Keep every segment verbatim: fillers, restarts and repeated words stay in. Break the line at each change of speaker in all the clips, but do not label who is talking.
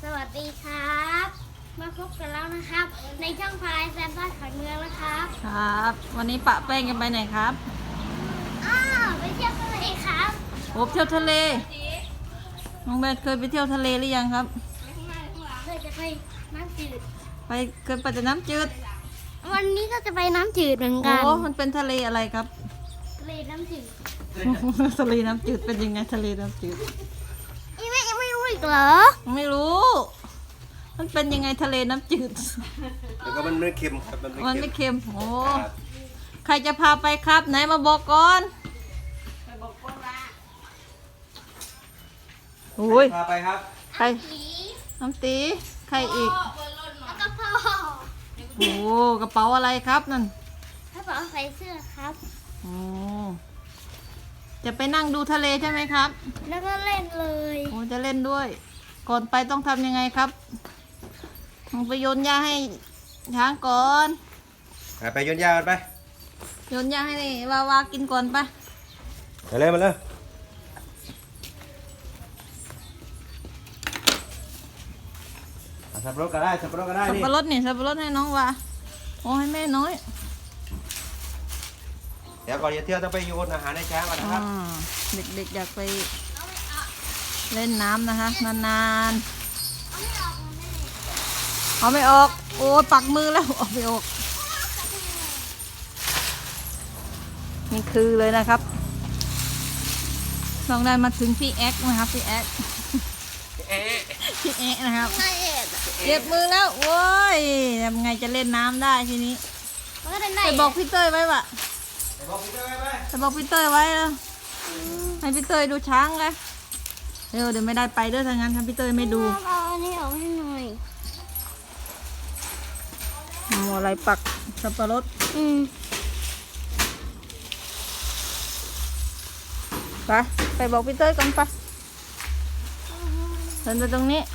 สวัสดีครับมาพบกันแล้วนะครับในช่องพลายแซมบ้านขวัญเมืองนะครับ
ครับ วันนี้ปะแป้งกันไปไหนครับ
อ้าวไปเที่ยวทะเลครับ
โอ้เที่ยวทะเลน้องแบทเคยไปเที่ยวทะเลหรือยังครับ
เคยจะไปน้ำจืด
ไปเคยไปแต่น้ำจืด
วันนี้ก็จะไปน้ำจืดเหมือน
โอ้
กัน
มันเป็นทะเลอะไรครับ
ทะเลน้ำจืด
ทะเลน้ำจืดเป็นยังไงทะเลน้ำจืด
อีแม่ยังไม่รู้อีกเหรอ
ไม่รู้ มันเป็นยังไงทะเลน้ำจืด
แล้วก็มันไม่เค็มครับ มัน
มัน
ไม่
ไม่
เค็ม
เค็มโอ้
ครับ
ใครจะพาไปครับ ไหนมาบอกก่อนโอ้ย
พาไปครับ
ใคร
สี
น้ำตีใครอีก
แล้วก็พ่อ
โอ้กระเป๋าอะไรครับนั่น
ถ้าบอกใส่เสื้อครับ
โอ้จะไปนั่งดูทะเลใช่ไหมครับ
แล้วก็เล่นเลย
โอ้จะเล่นด้วย ก่อนไปต้องทำยังไงครับต้องไปโยนหญ้าให้ช้างก่อน
หาไปโยนยากันไป
โยนหญ้าให้วาวากินก่อนไป
ไปเลยมาเลยเอาสับปะรดก็ได้สับปะรดก็ได้
สับ
นี่
ปะรดนี่สับปะรดให้น้องวาโอ้ให้แม่น้อย
เดี๋ยวก่อนจะเที่ยวต้องไปโยนอาหารให้ช้างก่อนนะครับ
อ่าเด็กๆอยากไปเล่นน้ำนะคะนานๆเอาไม่ออกโอ้ปักมือแล้วออกไม่ออกนี่คือเลยนะครับลองได้มาถึงพี่แอ๊กนะครับพี่แอ๊ก
เอ๊ะ
พี่แอ๊กนะครับ
นายเอ็ด
เจ็บมือแล้วโว้ยทำไงจะเล่นน้ำได้ทีนี้
มันก็เล่น
ไป
ได้
บอกพี่เต้ยไว้วะ
ไปบอกพี่เต้ยไปไป
ไปบอกพี่เต้ยไว้แล้วให้พี่เต้ยดูช้างเลยเร็วเดี๋ยวไม่ได้ไปเด้อทางนั้นถ้าพี่เต้ยไม่ดู
เอาอันนี้ออกให้หน่อย
หมูอะไรปักสับปะรด
อืม
ไปไปบอกพี่เต้ยก่อนไปเดินไปตรงนี้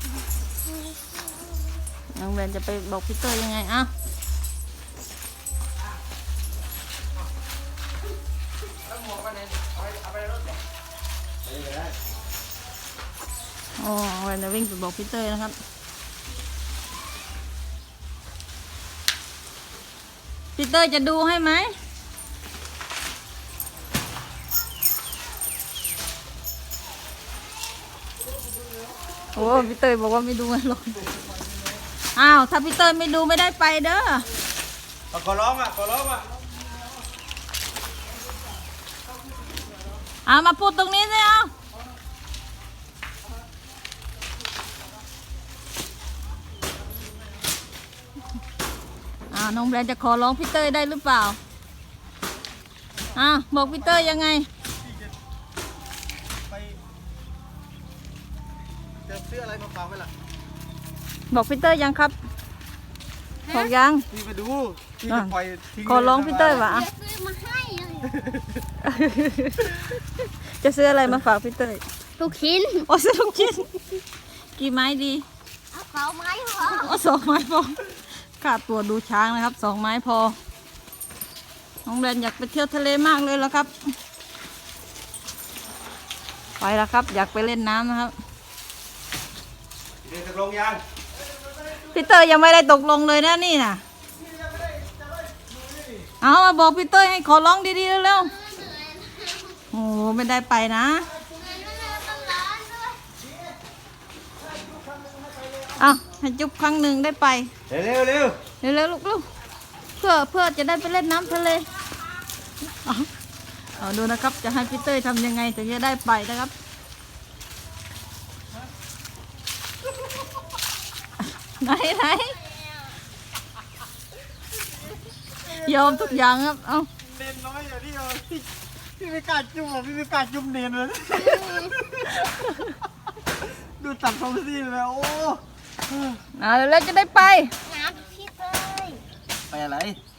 น้องแบนจะไปบอกพี่เต้ยยังไงอ่ะ
ไปเลยได้
โอ้แบนจะวิ่งไปบอกพี่เต้ยนะครับพี่เต้ยจะดูให้ไหมโอ้พี่เต้ยบอกว่าไม่ดูให้หรอกอ้าวถ้าพี่เต้ยไม่ดูไม่ได้ไปเด้อ
เอาขอร้องอ่ะขอร้องอ่ะ
เอามาพูดตรงนี้สิเอาอ้าวน้องแบรนด์จะขอร้องพี่เต้ยได้หรือเปล่าอ้าวบอกพี่เต้ยยังไง
ไปจะซื้ออะไรมาฝากไว้ล่ะ
บอกพี่เต้ยยังครับบอกยัง
พี่ไปดูพี่จะปล่อยทิ้ง
ขอร้องพี่เต้ยวะ
เดี๋ยวซื้อมาให้เลย
จะซื้ออะไรมาฝากพี่เต้ย
ลูกชิ้น
โอ้ซื้อลูกชิ้นกี่ไม้ดี
เอาเป๋าไม้พอ
โอ้สองไม้พอขาดตัวดูช้างนะครับสองไม้พอน้องแบรนด์อยากไปเที่ยวทะเลมากเลยแล้วครับไปแล้วครับ อยากไปเล่นน้ำนะครับ
เดี๋ยวจะลงยัง
พี่เตอร์ยังไม่ได้ตกลงเลยนะนี่นะเอามาบอกพี่เตอร์ให้ขอร้องดีๆเร็วๆโอ้โหไม่ได้ไปนะเอาให้จุ๊บครั้งหนึ่งได้ไป
เร็วเร็วเร็ว
เร็วๆลูกๆเพื่อเพื่อจะได้ไปเล่นน้ำทะเลเอาเอาดูนะครับจะให้พี่เตอร์ทำยังไงถึงจะได้ไปนะครับไหนไหนยอมทุกอย่างครับ เอา
เน้นน้อยอย่างที่เอาพี่พี่ไม่กล้าจุ่มอ่ะพี่ไม่กล้าจุ่มเน้นเลย ดูตัดทรงซีแล้วโอ้
เอาเร็วๆจะได้ไป
น้ำพี่เต้ย
ไปอะไร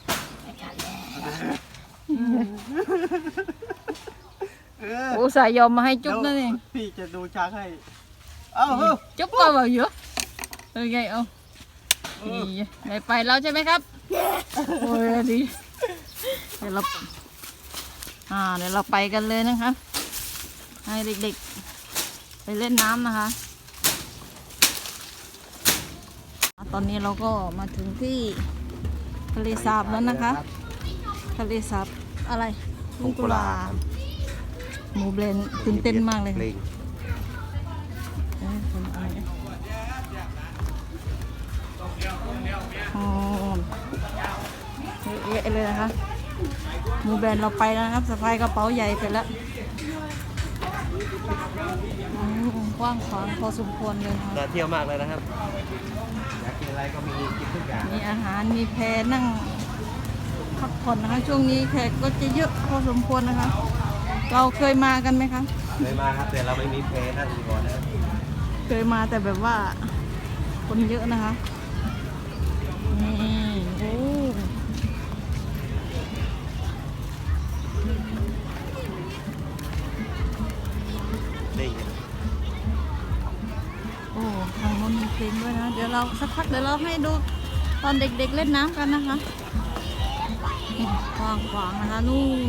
เออ
โอ้สายยอมมาให้จุ๊บนั่นเอง
พี่จะดูช้างให้ เอาเฮ้ย
จุ๊บก็แบบเยอะเออไงเอาดีได้ไปแล้วใช่ไหมครับโอ้ยดีเดี๋ยวเราอ่าเดี๋ยวเราไปกันเลยนะครับให้เด็กๆไปเล่นน้ำนะคะตอนนี้เราก็มาถึงที่ทะเลสาบแล้วนะคะ ทะเลสาบอะไรลุงกุลาหมูเบรนด์ตื่นเต้นมากเลยค่ะเอ้ยคนอะไรเนี่ยอ๋อเยอะเลยนะคะหมูแบรนด์เราไปแล้วนะครับสะพายกระเป๋าใหญ่เสร็จแล้วอืมกว้างขวางพอสมควรเลยนะคะ
น่าเที่ยวมากเลยนะครับอยากกินอะไรก็มีกินทุกอย่าง
มีอาหารมีแพนั่งพักผ่อนนะคะ ช่วงนี้แขกก็จะเยอะพอสมควรนะคะ เราเคยมากันไหมคะ
เคยมาครับแต่เราไม่มีเพลนั่นอยู่ก่อนนะครับ
เคยมาแต่แบบว่าคนเยอะนะคะนี่โอ้โอ้ทางโน้นมีเพลงด้วยนะ เดี๋ยวเราสักพักเดี๋ยวเราให้ดูตอนเด็กๆเล่นน้ำกันนะคะนี่กว้างขวางนะคะนู่น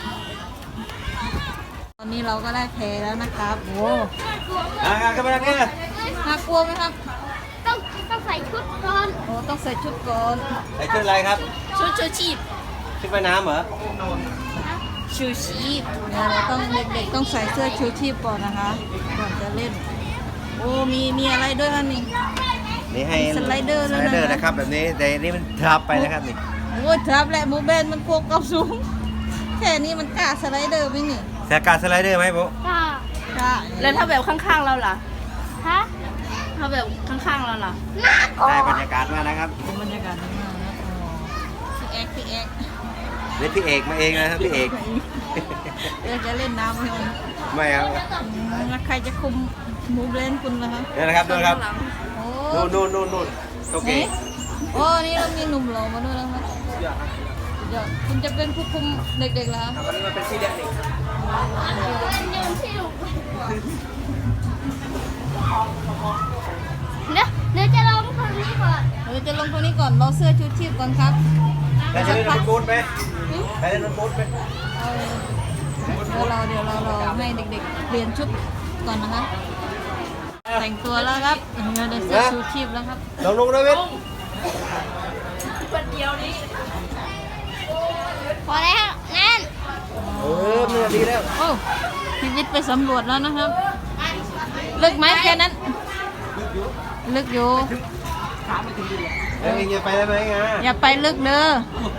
ตอนนี้เราก็ได้แพแล้วนะครับโอ้
อ่าครับมาแล้วเนี่ย
น่ากลัวไหมครับ
ต้องต้องใส่ชุดก่อน
โอ้ต้องใส่ชุดก่อน
ใส่ชุดอะไรครับ
ชุดชูชีพ
ชุดว่ายน้ำเหรอ
ชูชีพเนี่ยเราต้องเด็กๆต้องใส่เสื้อชูชีพก่อนนะคะ ก่อนจะเล่น โอ้มีมีอะไรด้วยคะนี่
นี่ให้
สไลเดอร์
ส
ด้วย
ไล
นะ
เดอร์นะครับแบบนี้แต่นี่มันทับไปนะครับนี่
โอ้ยทับแหละหมูเบนมันพวกกับสูง แค่นี้มันกล้าสไลเดอร์ไหมนี่
แสการสไลเดอร์ไหมปุ๊
ก็
กล้า
แล้วถ้าแบบข้างๆเราล่ะ
ฮะ
ถ้าแบบข้างๆเราล่ะ
น่ากลัว
ได้บรรยากาศมากนะครับ
บรรยากาศดีมากนะอ๋อพี่แอ๊กพี่แอ๊ก
นี่พี่เอกมาเองนะครับพี่เอก
เดี๋ยวจะเล่นน้ำให้มัน
ไม่ครับ
อืมแล้วใครจะคุมหมูเบนคุณล่ะคะ
นี่นะครับดูนะครับ
โอ้
นู่นนู่นนู่นนู่นโอเค
นี่โอ้นี่เรามีหนุ่มหล่อมาด้วยนะครับเดี๋ยวคุณจะเป็นผู้คุมเด็กๆเหรอคะ
วันนี้มันเป็นพี่เด็ก
ยืนที่หลุมเดี๋ยวเดี๋ยวจะลงคนนี้ก่อน
เราจะลงตรงนี้ก่อนเราเสื้อชูชีพก่อนครับ
ได้จะเล่นรถบูทไหมได้เล่นรถบูทไหม
เออเดี๋ยวเราเดี๋ยวเราเราให้เด็กๆเปลี่ยนชุดก่อนนะคะแต่งตัวแล้วครับเราได้เสื้อชูชีพแล้วครับ
ลงลงนะเว้ย
พอแล้วนั่น
เออมันดีแล้ว
โอ้พี่วิทย์ไปสำรวจแล้วนะครับ ลึกไหมแค่นั้น ลึกอยู่
แล้วเองจะไปได้ไหมงา
อย่าไปลึกเด้อ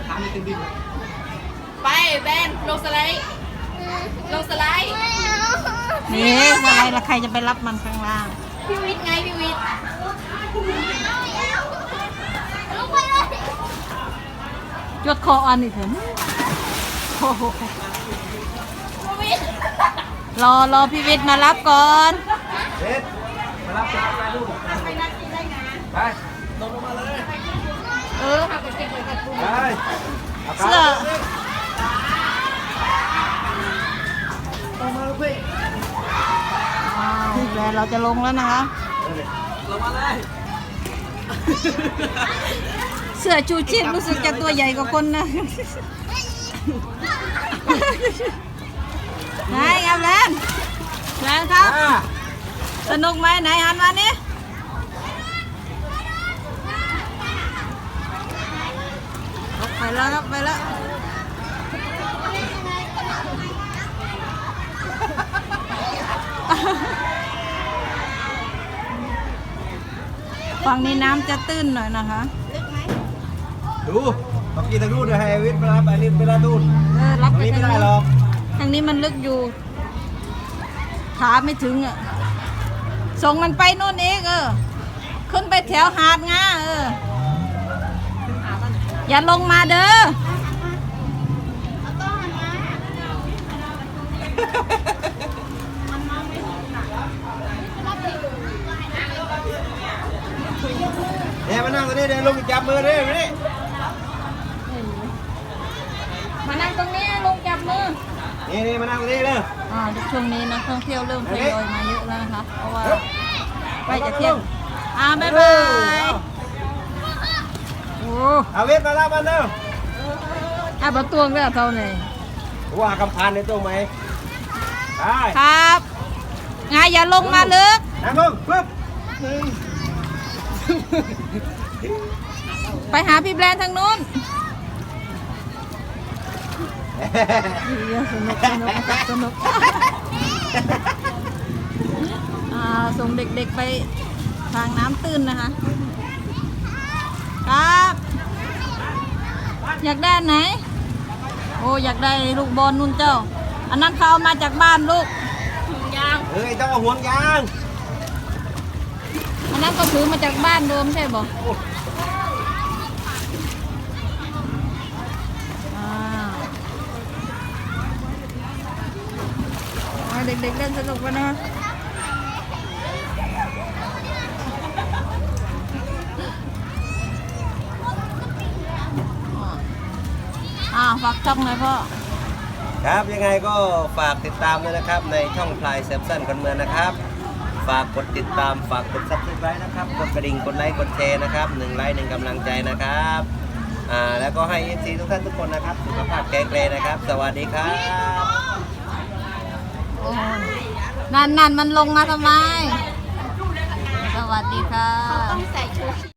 ไปแบนลงสไลด์ลงสไลด์
ไม่เอา
นี่อะไรละใครจะไปรับมันข้างล่าง
พี่วิทย์ไงพี่วิทย์
ลงไปเลย
จดคออันนี่เถอะโอ้โห
พี่วิทย์
รอรอพี่วิทย์มารับก่อน
เด็ดมารับจ้าไปลูกไป
เออ
ไป
เสื้อ
ลงมาลูกพี่
อ้าวแล้วเราจะลงแล้วนะคะ
ลงมาเลย
เสื้อชูชีพรู้สึกจะตัวใหญ่กว่าคนนะ ไหนครับแลนแลนครับ สนุกไหมไหนหันมานี่ไปแล้วครับไปแล้วฝั่งนี้น้ำจะตื้นหน่อยนะคะ
ดูเมื่อกี้ทางนู้นเดี๋ยวให้วิทย์ไปรับอันนี้ไปรับนู่น
เออรับ
ตรง
ไป
นี้ไม่
ทาง
ได้
นี้
หรอก
ทางนี้มันลึกอยู่ขาไม่ถึงอ่ะส่งมันไปนู่นเองเออขึ้นไปแถวหาดงาเอออย่าลงมาเด้อ
เนี่ยมานั่งตรงนี้เดี๋ยวลงจับมือเด้อนี่
มานั่งตรงนี้ลงจับมือ
นี่นี่มานั่งตรงนี้เด้อ
อ่าช่วงนี้นักท่องเที่ยวเริ่มทยอยมาเยอะแล้วนะคะเพราะว่าใกล้จะเที่ยงอ่าบ๊ายบายโอ้
เอาวิทย์มารับมันเด้อ
อาประตวงแล้วเท่าไหร่
ว่าคำพานในตรงไหมได้
ครับไงอย่าลงมาลึก
นั่งลงปึ๊บหนึ่ง
ไปหาพี่แบรนด์ทางนู้นเดี๋ยวสนุกสนุกนะครับสนุกอ่าส่งเด็กๆไปทางน้ำตื้นนะคะครับ อยากได้อันไหนโอ้อยากได้ลูกบอลนุ่นเจ้า อันนั้นเขาเอามาจากบ้านลูก
ยาง
เฮ้ยต้องเอาห่วงยาง
อันนั้นก็ถือมาจากบ้านโดมใช่บ่อ่าเอาเด็กๆเล่นสนุกกันนะคะอ่าฝากช่องหน่อยพ่อ
ครับยังไงก็ฝากติดตามด้วยนะครับในช่องพลายแซมสันคนเมืองนะครับ ฝากกดติดตามฝากกดซับสไครต์นะครับกดกระดิ่งกดไลค์กดแชร์นะครับหนึ่งไลค์หนึ่งกำลังใจนะครับอ่าแล้วก็ให้เอฟซีทุกท่านทุกคนนะครับสุขภาพแข็งแรงนะครับ สวัสดีครับ
โอ้ยนั่นนั่นมันลงมาทำไม สวัสดีค่ะ
ต้องใส่ชูชีพ